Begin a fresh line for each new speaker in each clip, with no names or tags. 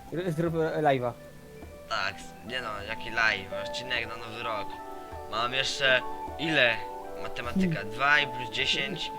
Zrób live'a.
Tak, nie no, jaki live, odcinek na nowy rok. Mam jeszcze ile? Matematyka 2 i plus 10.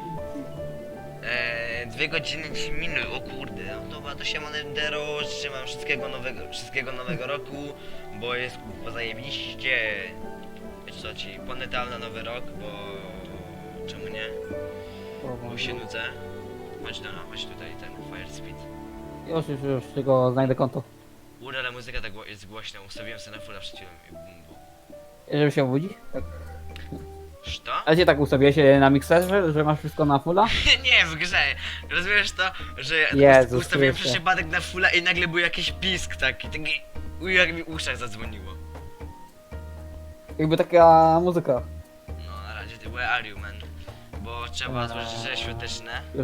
2 godziny 10 minut, o kurde, no dobra, to się Dero, trzymam wszystkiego nowego roku, bo jest zajebiście. Wiesz co ci, ponetal na nowy rok, bo czemu nie? Bo się nudzę. Chodź tutaj, ten Fire Speed.
Już, tylko znajdę konto.
Ale muzyka tak jest głośna, ustawiłem sobie na fulla przed chwilą i bum bum.
Żeby się obudzić? Tak.
Co?
Ale cię tak ustawiłeś na mikserze, że masz wszystko na fulla?
Nie, w grze. Rozumiesz to, że
Jezus
ustawiłem
Chryste.
przypadek na fulla i nagle był jakiś pisk taki, jak mi uszach zadzwoniło.
Jakby taka muzyka.
No na razie, where are you, man? Bo trzeba złożyć życzenia świąteczne.
Już.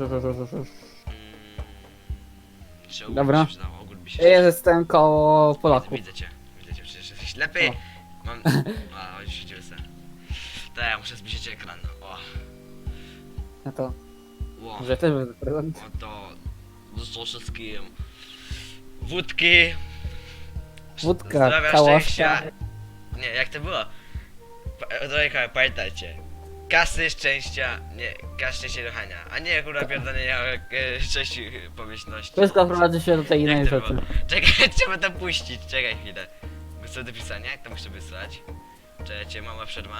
Czy ogór
Dobra.
by się przydało, ogór by się
Ja jestem koło Polaków.
Widzę cię, przecież jesteś ślepy.
O.
Mam... A, już się se. Tak, ja muszę zbliżyć ekran. O,
No to,
o,
że też będę prezent.
oto, życzę wszystkim wódki,
Wódka,
zdrowia,
kałaszka.
szczęścia. Nie, jak to było? Drodzy, pamiętajcie. Kasy, szczęścia, nie, kasy, szczęścia i ruchania. A nie kurwa pierdolenia szczęści pomyślności.
Wszystko prowadzi się do tej innej
Jak to
rzeczy.
było? Czekaj, trzeba to puścić, czekaj chwilę. Muszę do pisania, jak to muszę wysłać? Czekajcie, mała przerwa.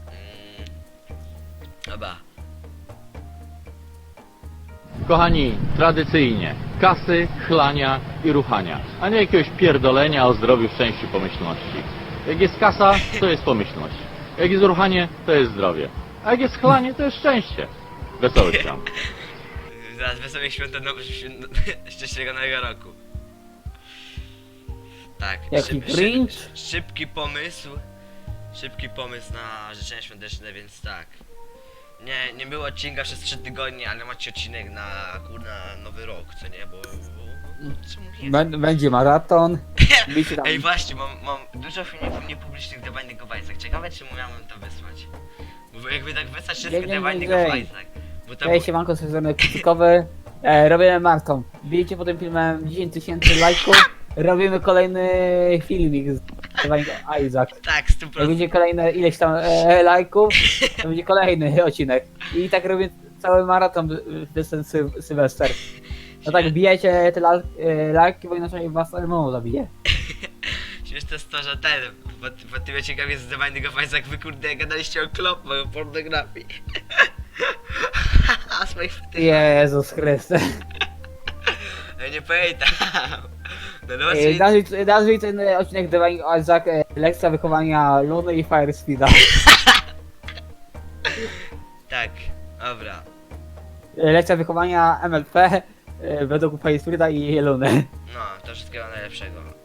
Dobra.
Kochani, tradycyjnie kasy, chlania i ruchania, a nie jakiegoś pierdolenia o zdrowiu, szczęściu, pomyślności. Jak jest kasa, to jest pomyślność. Jak jest ruchanie, to jest zdrowie. A jak jest chlanie, to jest szczęście. Wesołych świąt.
Zaraz wesołych świąt szczęśliwego nowego roku. Tak,
Jaki cringe?
szybki pomysł na życzenia świąteczne, więc tak. Nie było odcinka przez 3 tygodnie, ale macie odcinek na kurna nowy rok, co nie? Bo czemu nie?
Będzie maraton. Bicie tam.
Ej właśnie, mam dużo filmików niepublicznych do Binding of Isaac. Ciekawe czy miałem to wysłać. Bo jakby tak wysłać wszystkie
Nie,
do Binding of
nie.
Isaac. Bo to
Cześć, siemanko, z tej strony Kucykowy. Robimy maraton. Bijcie po tym filmem 10 000 lajków. Robimy kolejny filmik z Isaac.
tak,
Jak
100%.
będzie kolejne ileś tam lajków, to będzie kolejny odcinek. I tak robię cały maraton przez ten Sylwester. No tak, bijecie te lajki, bo inaczej was mną zabije.
Śmieszne jest to, że po tym odcinkach jest The Binding of Isaac, wy kurde gadaliście o klopach, o pornografii. A swoich fetych.
Jezus Chryste.
Ja nie pamiętam. No właśnie,
Nazwij ten odcinek The Binding of Isaac lekcja wychowania Luny i Fire Speeda.
tak, dobra.
Lekcja wychowania MLP według Fire Speeda i Luny.
No, to wszystkiego najlepszego.